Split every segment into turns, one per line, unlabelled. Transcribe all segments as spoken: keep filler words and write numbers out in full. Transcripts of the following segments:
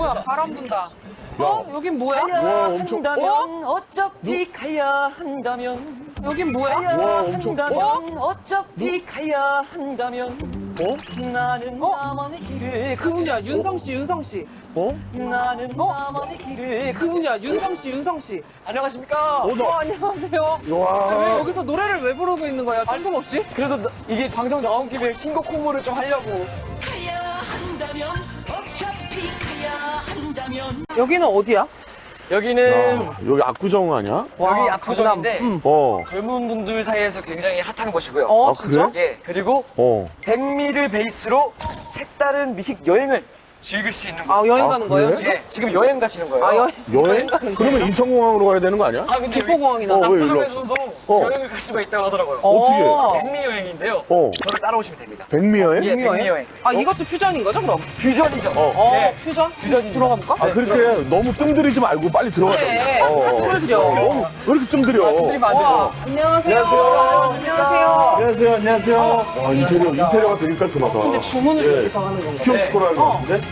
분다, 바람 분다. 어? 여긴 뭐야?
와, 엄청.
한다면 어차피 가야 한다면
여긴 뭐야?
와, 엄청.
한다면 어차피 가야 한다면
어?
나는
어?
나만의 길을
그분이야, 윤성 씨, 윤성 씨.
어?
나는
어?
나만의 길을
그분이야, 윤성 씨, 윤성 씨.
안녕하십니까?
어, 나.
어, 안녕하세요.
와.
왜 여기서 노래를 왜 부르고 있는 거야? 뜬금없이?
그래도 나- 이게 방송 나온 김에 신곡 홍보를 좀 하려고.
가야 한다면 어차피 가야 한다면
여기는 어디야?
여기는
아, 여기 압구정 아니야?
여기 압구정인데
어.
젊은 분들 사이에서 굉장히 핫한 곳이고요.
어,
아, 그래?
예, 그리고
어.
백미를 베이스로 색다른 미식 여행을 즐길 수 있는 곳.
아, 여행
아,
가는 거예요?
그래?
지금?
예, 지금 여행 가시는 거예요.
아, 여행,
여행?
가는 거예요?
그러면 인천공항으로 가야 되는 거 아니야?
아, 근데 여기
기포공항이나.
어, 왜 일로
압구정에서도
어.
여행을 갈 수가 있다고 하더라고요.
어떻게?
어.
백미 여행인데요.
어.
저를 따라오시면 됩니다.
백미 여행?
예, 백미 여행.
아, 이것도 퓨전인 거죠, 그럼?
퓨전이죠.
어,
예,
퓨전?
퓨전입니다.
들어가 볼까?
아, 그렇게 너무 뜸들이지 말고 빨리 들어가자.
그래,
어, 어.
하트를 드려.
너무 왜 이렇게 뜸들여?
들리면 안
와,
되죠.
안녕하세요.
안녕하세요.
안녕하세요.
안녕하세요, 안녕하세요. 와, 인테리어, 인테리어가 되게 깔끔하다.
근데 주문을
예.
여기서 하는 건가?
키오스코라는 거
어.
같은데?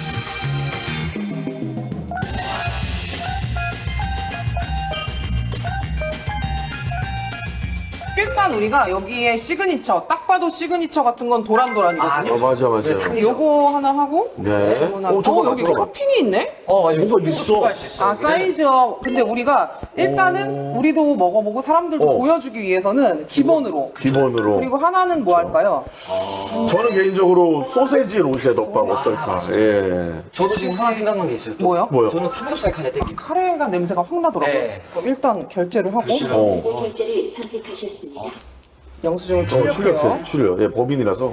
일단 우리가 여기에 시그니처, 딱 봐도 시그니처 같은 건 도란도란이거든요.
어, 맞아, 맞아.
근데 요거 하나 하고
네.
주문하고.
오, 잠깐만,
어, 여기
잠깐만.
커핑이 있네?
어, 맞아요.
뭐가 있어?
추가할 수 있어요.
아, 사이즈업. 근데 우리가 일단은 우리도 먹어보고 사람들도
어.
보여주기 위해서는 기본으로.
기본으로.
그리고 하나는 뭐 할까요?
저는 개인적으로 소세지 로제 덮밥 어떨까? 예.
저도 지금 하나 생각난 게 있어요. 또.
뭐요?
뭐요?
저는 삼겹살 카레 땡깁니다.
카레가 냄새가 확 나더라고요.
네.
그럼 일단 결제를 하고
결제를
어.
네, 결제를 선택하셨습니다.
영수증을
어,
출력해요.
출력해, 출력. 예, 법인이라서.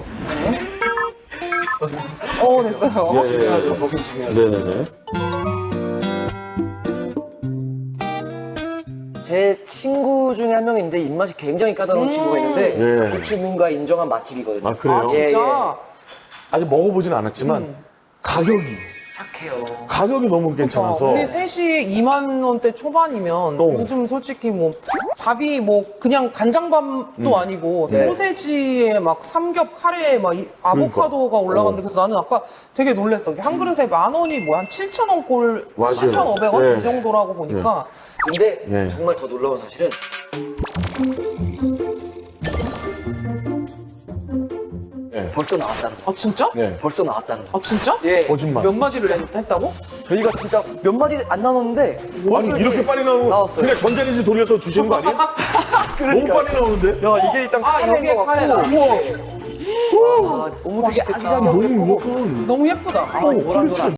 어, 됐어요.
예, 예, 예. 네네네.
제 친구 중에 한 명인데 입맛이 굉장히 까다로운 친구가 있는데
예.
그 친구가 인정한 맛집이거든요.
아, 그래요?
아, 진짜?
예,
아직 먹어보진 않았지만, 가격이,
착해요.
가격이 너무 괜찮아서.
우리 셋이 이만 원대 초반이면
어.
요즘 솔직히 뭐 밥이 뭐 그냥 간장밥도 아니고
네.
소세지에 막 삼겹 카레에 막 이- 아보카도가
그러니까.
올라갔는데
어.
그래서 나는 아까 되게 놀랬어. 한 그릇에 만 원이 뭐 한 칠천 원 꼴,
맞아요.
칠천오백 원
네.
이 정도라고 보니까
근데
예.
정말 더 놀라운 사실은
예.
벌써 나왔다는 거.
아 진짜?
네.
벌써 나왔다는 거.
아 진짜?
예.
거짓말.
몇 마디를 했- 했다고?
저희가 진짜 몇 마디 안 나눴는데 벌써
아니, 이렇게 빨리 나오면
나왔어요.
그냥 전자레인지 돌려서 주시는 거 아니에요? 너무 빨리 나오는데?
야 이게 일단
아,
카레인
여기에
것 같고
카레다.
우와,
아, 너무 되게 아기자기하고
너무
예쁘고
약간.
너무 예쁘다.
어, 그렇지.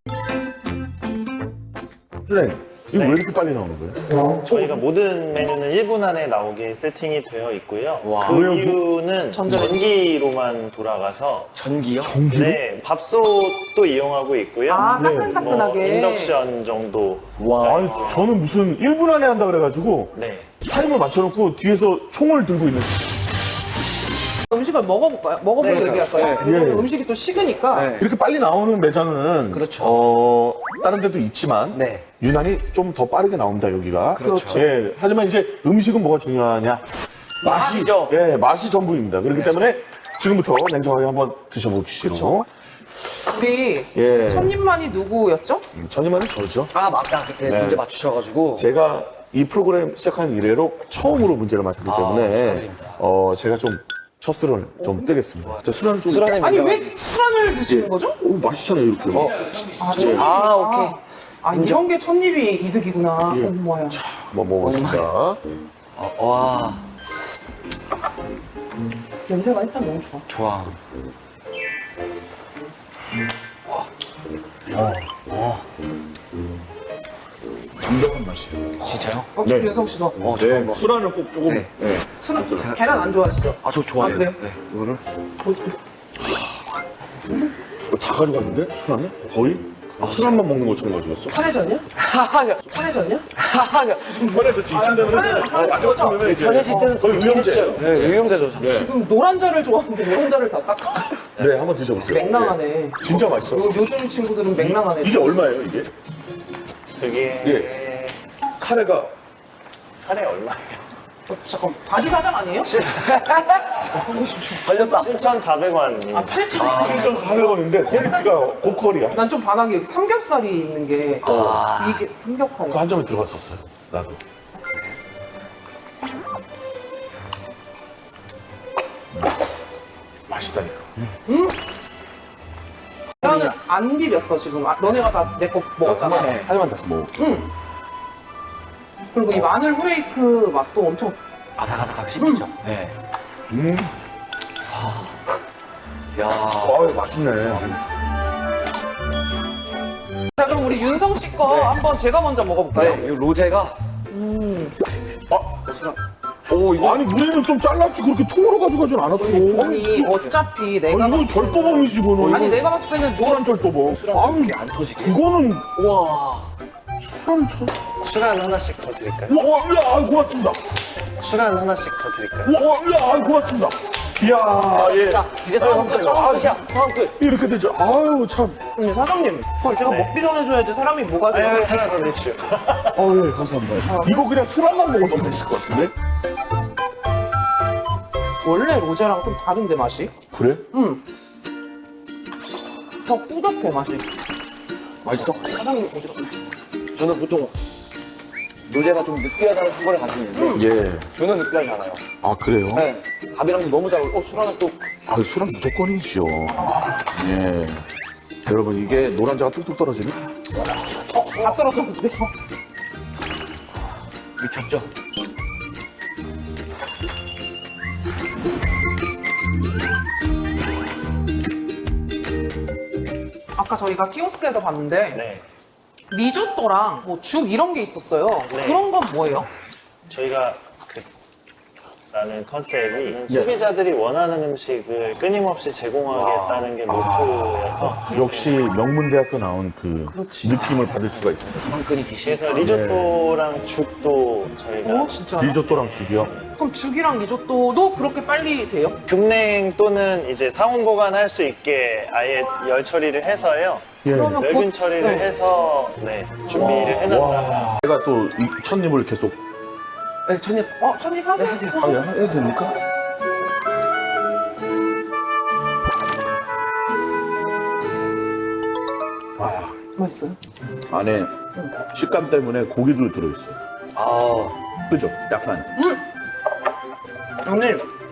선생님, 이거 왜 이렇게 빨리 나오는 거예요?
저희가 모든 메뉴는 일 분 안에 나오게 세팅이 되어 있고요.
와.
그
왜요?
이유는
전자레인지?
전기로만 돌아가서
전기요?
전기로?
네, 밥솥도 이용하고 있고요.
아
네.
따끈따끈하게.
뭐 인덕션 정도.
와.
아니, 저는 무슨 일 분 안에 한다 그래가지고,
네.
타이머 맞춰놓고 뒤에서 총을 들고 있는.
음식을 먹어볼까요? 먹어보고
네,
얘기할까요?
네.
왜냐면
예.
음식이 또 식으니까.
네.
이렇게 빨리 나오는 매장은
그렇죠.
어, 다른 데도 있지만
네.
유난히 좀 더 빠르게 나옵니다 여기가.
그렇죠.
예, 하지만 이제 음식은 뭐가 중요하냐? 맛이.
맛이죠.
예, 맛이 전부입니다. 그렇기 때문에 지금부터 냉정하게 한번 드셔보시죠.
우리
예.
첫 입만이 누구였죠?
전임만은 저죠.
아 맞다 그때
네.
문제 맞추셔가지고
제가 이 프로그램 시작한 이래로 처음으로 문제를 맞췄기 때문에
축하드립니다.
어, 제가 좀 첫 술을 좀 뜨겠습니다. 저 술안을 좀.
술안에
아니
민감하게.
왜 술안을 드시는 거죠?
오, 맛있잖아요 이렇게.
아, 첫 입이.
아, 오케이.
아, 이런 게 첫 입이 이득이구나.
예.
엄마야.
한번 먹어보겠습니다.
어, 와
냄새가 일단 너무 좋아.
좋아.
완벽한 맛이에요.
진짜요?
어,
네.
윤성 씨도.
어
네,
좋아요.
술안을 꼭 조금.
네.
네.
술, 계란 안 좋아하시죠?
아 저 좋아해요.
아, 그래요?
네. 이거를
이거 다 가져갔는데? 술안을? 거의? 아, 술안만 먹는 것처럼 가져갔어?
편해졌냐?
하하냐
편해졌냐?
하하냐.
편해졌지. 이쯤 되면
편해-
마지막 쯤 이제
편해질 때는
거의 의형제예요.
네 의용제죠. 저.
네.
그럼 노란자를 좋아하는데 노란자를 다 싹.
네, 한번 드셔보세요.
맹랑하네.
네. 진짜 맛있어.
요, 요즘 친구들은 맹랑하네.
이게 얼마예요, 이게?
그게
예. 카레가
카레 얼마예요?
어, 잠깐 바지 사장 아니에요?
걸렸다.
칠천사백 원입니다.
아 칠천 원.
칠천사백 원인데 퀄리티가 고퀄이야.
난 좀 반한 게 여기 삼겹살이 있는 게 이게 삼겹살이.
그 한 점에 들어갔었어요. 나도. 음. 맛있다니까.
나는 안 비볐어 지금. 아, 너네가 다 내 거 먹었잖아.
하나만 다시 먹을게.
그리고 이 마늘 후레이크 맛도 엄청.
아삭아삭하게 씹히죠. 네.
음.
야.
아유, 맛있네.
자 그럼 우리 윤성 씨 거
네.
한번 제가 먼저 먹어볼까요?
네, 이 로제가.
아,
오, 이거.
아니, 물에는 좀 잘랐지. 그렇게 통으로 가져가진 않았어.
아니 어차피 내가
아니, 이거
봤을 때는-
절도범이지, 이거는.
아니 내가 봤을 때는
노란 절도범. 아유,
안 터지게.
그거는
우와.
술안을 쳐.
술안 하나씩 더 드릴까요?
우와, 야, 아유, 고맙습니다.
술안 하나씩 더 드릴까요?
우와, 야, 아유, 고맙습니다. 이야, 예.
자, 이제 싸움 끝, 싸움 끝이야. 싸움 끝.
이렇게 되죠. 아유, 참.
아니 사장님 그걸 제가 먹기 전에 줘야지 사람이 뭐가
아유,
돼요?
하나 더 드십시오.
어, 예, 감사합니다. 이거 그냥 술안만 먹어도 맛있을 것 같은데?
원래 로제랑 좀 다른데 맛이?
그래?
더 꾸덕해 맛이.
맛있어?
사장님 어디 갔나?
저는 보통 로제가 좀 느끼하다는 생각을 가지고 있는데
예.
저는 느끼하지 않아요.
아, 그래요?
네. 밥이랑도 너무 잘 어울려. 어, 술하나 또.
아, 술은 무조건이죠. 예. 여러분, 이게 노란자가 뚝뚝 떨어지네?
어, 다 떨어졌는데요?
미쳤죠?
아까 저희가 키오스크에서 봤는데
네.
리조또랑 뭐 죽 이런 게 있었어요.
네.
그런 건 뭐예요?
저희가 그 라는 컨셉이 소비자들이 원하는 음식을 끊임없이 제공하겠다는 게 모토여서
역시 명문대학교 나온 그 느낌을 받을 수가 있어요.
한끈이 기시.
그래서 리조또랑 죽도 저희가
어 진짜.
리조또랑 죽이요?
그럼 죽이랑 리조또도 그렇게 빨리 돼요?
급냉 또는 이제 상온 보관할 수 있게 아예 열 처리를 해서요.
예.
그러면
멸균
곧-
처리를
네.
해서 네, 준비를 해놨다.
와. 제가 또 이 첫입을 계속
네, 전입. 어, 전입 하세요.
아, 예, 해도 됩니까? 와,
맛있어요?
안에 식감 때문에 고기도 들어있어요.
아.
그죠? 약간.
아니,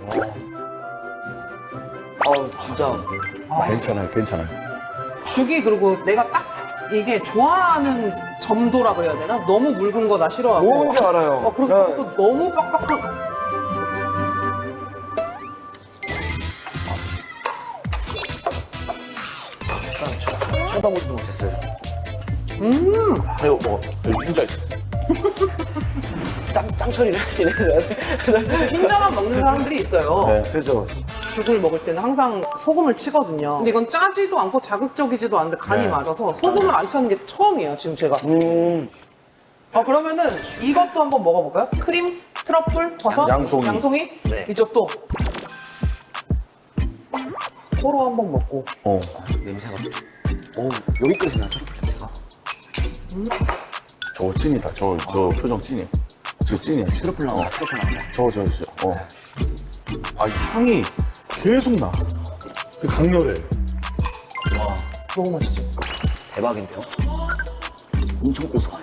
아우, 진짜.
괜찮아요, 괜찮아요.
죽이 그리고 내가 딱 이게 좋아하는 점도라 그래야 되나? 너무 묽은 거 나 싫어하고.
뭔지 알아요.
어, 그리고
네.
또 너무 빡빡한.
쳐다보지도 못했어요.
이거 뭐, 여기 혼자 있어.
짱, 짱 처리를 하시네.
흰자만 먹는 사람들이 있어요.
네.
그죠.
죽을 먹을 때는 항상 소금을 치거든요. 근데 이건 짜지도 않고 자극적이지도 않은데 간이
네.
맞아서 소금을 안 차는 게 처음이에요, 지금 제가.
음.
아, 그러면은 이것도 한번 먹어볼까요? 크림, 트러플, 버섯,
양송이.
양송이?
네.
리조또. 서로 한번 먹고.
어.
냄새가. 오, 여기까지 나죠? 냄새가.
저거 찐이다. 저, 저 표정 찐이야. 저 찐이야. 찐.
트러플 나온다, 트러플 나온다.
저, 저, 저, 어. 아, 이 향이 계속 나. 되게 강렬해.
너무 맛있죠?
대박인데요? 엄청 고소해요.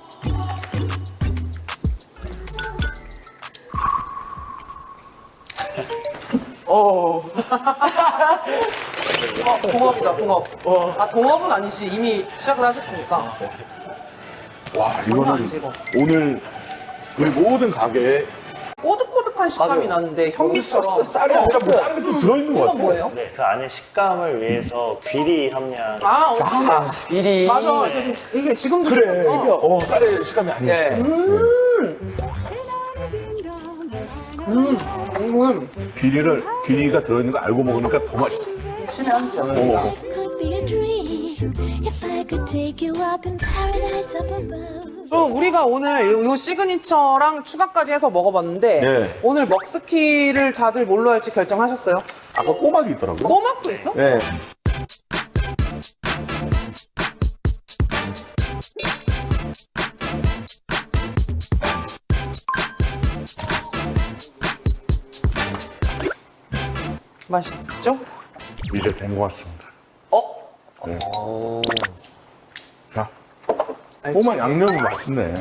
어, 동업이다, 동업. 아, 동업은 아니지. 이미 시작을 하셨으니까.
와,
장난
이거는
아니지, 이거.
오늘 우리 모든 가게에
꼬득꼬득한 식감이
맞아요.
나는데 현미처럼.
쌀이 아니라 뭐 다른 게 또 들어있는 것
이건
같아.
뭐예요?
네, 그 안에 식감을 위해서 귀리 함량.
아, 어,
아,
비리.
맞아. 이게 지금도
그래.
씹혔어.
어, 쌀의 식감이 아니었어.
네.
음,
귀리를, 귀리가 들어있는 거 알고 먹으니까 더 맛있어.
신의 한 점.
어.
Could be a dream if I could take you up in paradise up above.
그럼 우리가 오늘 이, 이 시그니처랑 추가까지 해서 먹어봤는데
네.
오늘 먹스키를 다들 뭘로 할지 결정하셨어요?
아까 꼬막이 있더라고요.
꼬막도 있어?
네.
맛있죠?
이제 된 것 같습니다.
어?
네. 자, 꼬마 양념이 맛있네.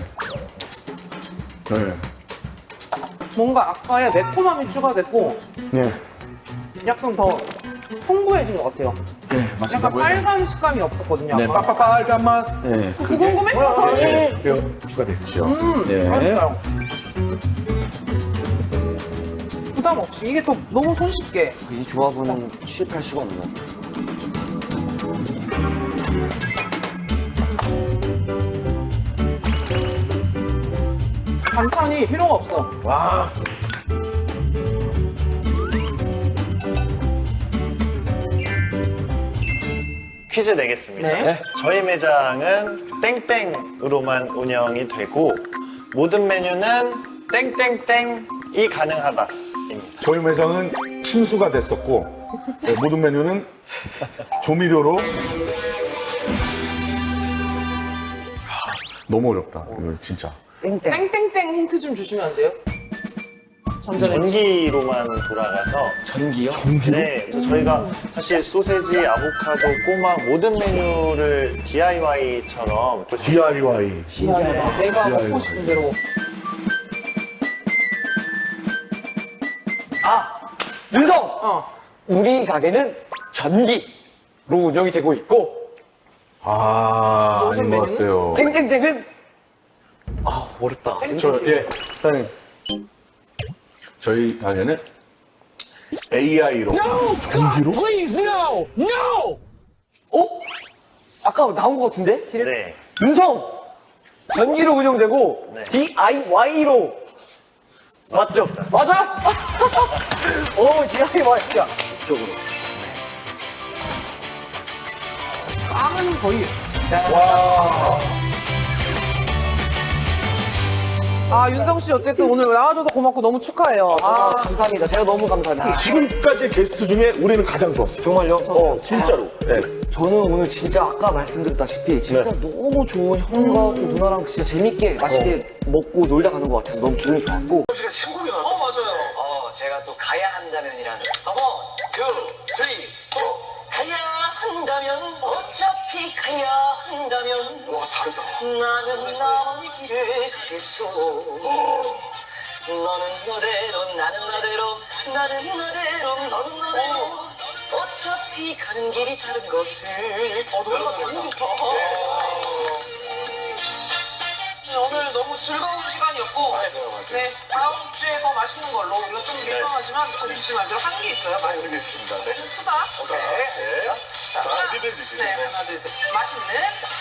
네.
뭔가 아까의 매콤함이 추가됐고
네.
약간 더 풍부해진 것 같아요.
네, 맞습니다.
약간 빨간 식감이 없었거든요.
네,
아까.
빨간 맛. 네.
그거 궁금해?
네, 뼈 추가됐죠.
음,
네.
맛있어요. 부담 없이 이게 또 너무 손쉽게.
이 조합은 실패할 수가 없는 것 같아요.
반찬이 필요가 없어.
와.
퀴즈 내겠습니다.
네.
저희 매장은 땡땡으로만 운영이 되고 모든 메뉴는 땡땡땡이 가능하다입니다.
저희 매장은 침수가 됐었고 네, 모든 메뉴는 조미료로. 하, 너무 어렵다. 이거 진짜.
땡땡.
땡땡땡 힌트 좀 주시면 안 돼요? 전자레인지.
전기로만 돌아가서
전기요?
전기로?
네, 그래서 저희가 사실 소세지, 아보카도, 꼬막 모든 메뉴를 디아이와이처럼
디아이와이.
신기하다. 내가
신기하다.
먹고 싶은 대로.
아! 윤성!
어.
우리 가게는 전기로 운영이 되고 있고
아,
모든
아닌 것
메뉴는?
같아요.
땡땡땡은 아 어렵다.
저, 예, 일단 저희 가게는 에이아이로. 전기로?
어? 아까 나온 것 같은데?
네,
윤성! 전기로 운영되고
네.
디아이와이로 맞죠? 맞아? 오 디아이와이 야 이쪽으로
빵은 거의. 아, 윤성 씨 어쨌든 오늘 나와줘서 고맙고 너무 축하해요.
아,
아,
감사합니다. 제가 너무 감사합니다.
지금까지 게스트 중에 우리는 가장 좋았어요.
정말요?
어, 진짜로. 네.
저는 오늘 진짜 아까 말씀드렸다시피 진짜 너무 좋은 형과 또 누나랑 진짜 재밌게 맛있게 먹고 놀다 가는 것 같아서 너무 기분이 좋았고
어, 맞아요.
어, 제가 또 가야 한다면이라는. 원, 투, 쓰리, 포. 가야 한다면, 어차피 가야 한다면. 와, 다르다. 나는 나만의 길을 가겠소. 너는 너대로, 나는 나대로, 나는 나대로, 너는 너대로. 어차피 가는 길이 다른 것을. 어, 노래가 너무 좋다. 오늘 너무 즐거운 시간이었고, 네, 다음 주에 더 맛있는 걸로, 이거 좀 민망하지만, 점심시간 대로 한 개 있어요. 알겠습니다. 네. 수다. 오케이. 자, 하나, 네, 하나, 둘, 셋. 맛있는